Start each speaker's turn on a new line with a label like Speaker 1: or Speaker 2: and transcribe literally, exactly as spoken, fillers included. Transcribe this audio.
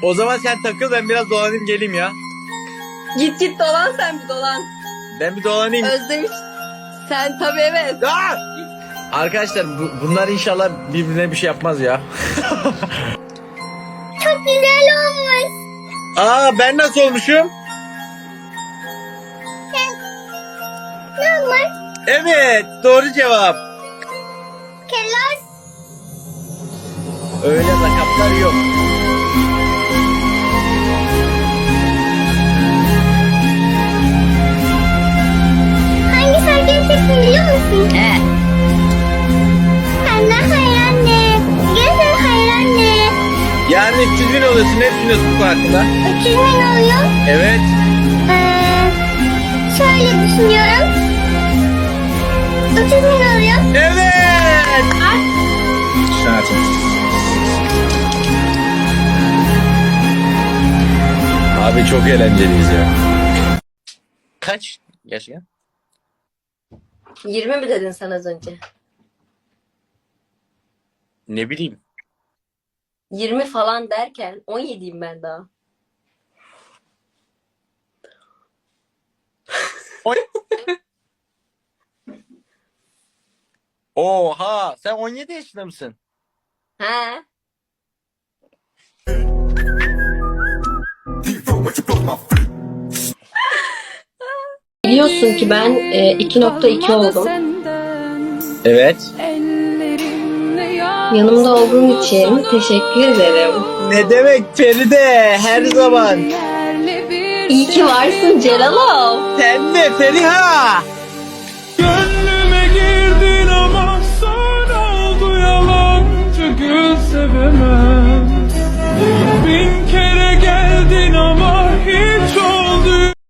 Speaker 1: O zaman sen takıl, ben biraz dolanayım geleyim ya.
Speaker 2: Git git dolan sen bir dolan.
Speaker 1: Ben bir dolanayım.
Speaker 2: Özdemiş. Sen tabii evet.
Speaker 1: Aa! Arkadaşlar bu, bunlar inşallah birbirine bir şey yapmaz ya.
Speaker 3: Çok güzel olmuş.
Speaker 1: Aa, ben nasıl olmuşum?
Speaker 3: Normal.
Speaker 1: Evet, doğru cevap.
Speaker 3: Kelas.
Speaker 1: Öyle lakaplar yok.
Speaker 3: Hangi şarkıyı çektin biliyor musun?
Speaker 2: He.
Speaker 3: Senden hayır anne. Gözün hayır anne.
Speaker 1: Yani üç yüz bin oluyorsun, ne düşünüyorsun bu konu hakkında?
Speaker 3: üç yüz bin oluyor.
Speaker 1: Evet.
Speaker 3: Ee, şöyle düşünüyorum. üç yüz bin oluyor.
Speaker 1: Evet. Abi çok eğlenceliyiz ya. Kaç yaşın?
Speaker 2: yirmi mi dedin sen az önce?
Speaker 1: Ne bileyim.
Speaker 2: yirmi falan derken on yediyim ben daha.
Speaker 1: Oha, sen on yedi yaşında mısın?
Speaker 2: He. Biliyorsun ki ben e, iki nokta iki oldum.
Speaker 1: Evet.
Speaker 2: Yanımda olduğun için teşekkür ederim.
Speaker 1: Ne demek Feride, her zaman.
Speaker 2: İyi ki varsın Celalov.
Speaker 1: Sen de Feriha.
Speaker 4: Gönlüme girdin ama sonra oldu yalancı, gül sevemem. Bin kere